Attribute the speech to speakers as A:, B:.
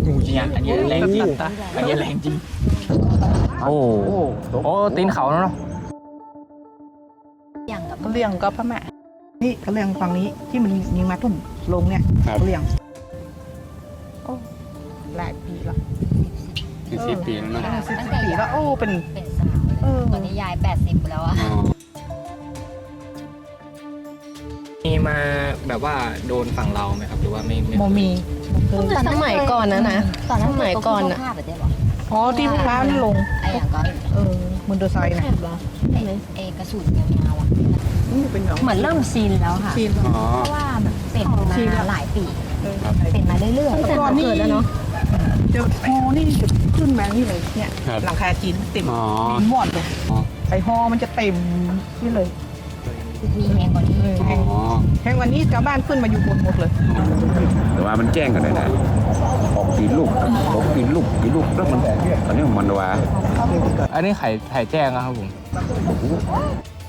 A: งูจริงอ่ะอันนี้แรงจริงอันนี้แรงจริงโอ้โอ้ตีนเขาเนาะ
B: อย่างกับ
C: ก็เลี้ยงก็พม่านี่ก็เลี้ยงฝั่งนี้ที่มันยิงมาทุ่มลงเนี่ยก็เลี้ยงโอ้หลายปีแล้ว
D: 40 ปีแล้วเนาะ
C: 10 ปีแล้วโอ้เป็น
B: เป็นสาวเลยตอนนี้ยาย80แล้วอะ
A: มีมาแบบว่าโดนฝั่งเราไหมครับหรือว่าไม่
C: โมมี
E: สมัยก่อนนะ
B: ตอนนั้น
E: สมัยก่อน
B: อะ
E: อะ
B: ภาพแบบนี้หรอ
C: อ๋อที่พร้าวนี่ลง
B: ไอ้อย่างก็
C: มอเตอร์ไซค์นะ
B: ไอ้กระสุนยาวๆอ่ะ
C: นี่เป็นหนอง
E: เหมือนเริ่มชินแล้วค่ะ
C: ชีน
D: อ๋อ
B: เพราะว่ามันเป็นมาหลายปีเป็นมาเรื่อย
C: แต่ก่อนนี่จะฮอนี่จะขึ้นมานี่เลยเนี่ย
D: ครับ
C: หลังคาจีนเต็ม
D: อ๋อ
C: ดินวอดเลย
D: อ๋อ
C: ไอฮอมันจะเต็มนี่เลย
B: ๆมีแหงกว่านี้
D: อ๋อ
C: แห่งวันนี้ชาวบ้านขึ้นมาอยู่บนหมดเลย
F: แต่ว่ามันแจ้งกันได้นะออกกี่ลูกออกกี่ลูกแล้วมันตอนนี้มันว่า
A: อันนี้ไข่แจ้งนะครับผม